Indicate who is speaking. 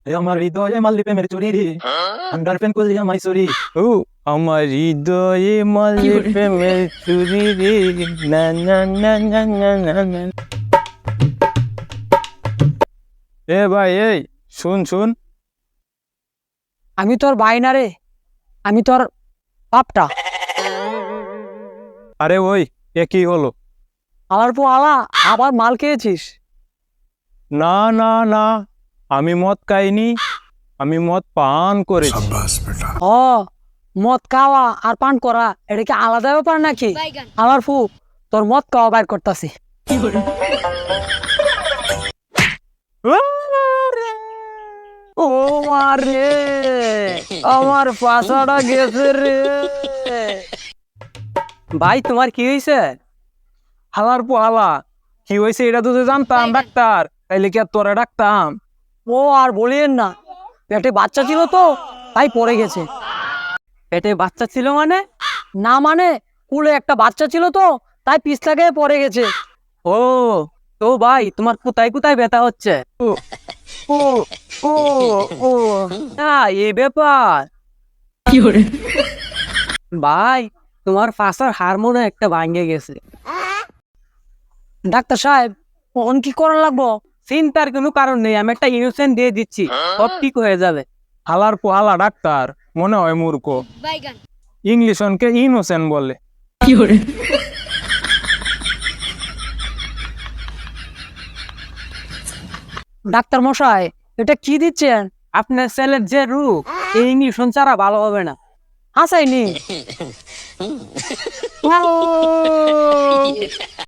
Speaker 1: এ আমার হৃদয়ে মাল্লি প্রেমের চুরি রে গার্লফ্রেন্ড করলি আমায় চুরি। ও আমার হৃদয়ে মাল্লি প্রেমের চুরি রে না না না না না না না। এ ভাই এই শুন শুন।
Speaker 2: আমি তোর ভাই না রে, আমি তোর বাপটা।
Speaker 1: আরে ওই এ কি হলো?
Speaker 2: আলার পর আলা আবার মাল খেয়েছিস?
Speaker 1: না না না, আমি মদ খাইনি, আমি মদ পান করেছি।
Speaker 2: ও, মদ খাওয়া আর পান করা এটা কি আলাদা ব্যাপার নাকি? আলার ফু, তোর মদ খাওয়া বাইর করতাছি। ও মারে, আমার পাশাটা গেছে রে। ভাই তোমার কি হয়েছে?
Speaker 1: হালার পো হালা, কি হয়েছে এটা তো জানতাম ডাক্তার, তাইলে কি আর তোরা ডাকতাম?
Speaker 2: ও আর বলিয়েন না, পেটে বাচ্চা ছিল তো তাই পড়ে গেছে।
Speaker 3: পেটে বাচ্চা ছিল মানে?
Speaker 2: না মানে, কুলে একটা বাচ্চা ছিল তো তাই পিছলা গিয়ে পড়ে গেছে।
Speaker 3: ও, তো ভাই তোমার কোথায় কোথায় ব্যথা হচ্ছে?
Speaker 1: ও ও ও ও
Speaker 3: এই ব্যাপার। ভাই তোমার পাশার হারমোনে একটা ভাঙ্গে গেছে।
Speaker 2: ডাক্তার সাহেব, কোন কি করা লাগবো?
Speaker 3: চিন্তার কোনো কারণ নেই, আমি একটা ইনজেকশন দিয়ে দিচ্ছি, সব ঠিক হয়ে যাবে।
Speaker 1: হালার পো হালা ডাক্তার মনে হয় মূর্খ, ইংলিশ অনকে ইনোসেন্ট বলে।
Speaker 2: ডাক্তার মশাই, এটা কি দিচ্ছেন?
Speaker 3: আপনার ছেলের যে রোগ, এই ইঞ্জেকশন ছাড়া ভালো হবে না।
Speaker 2: হাসাইনি।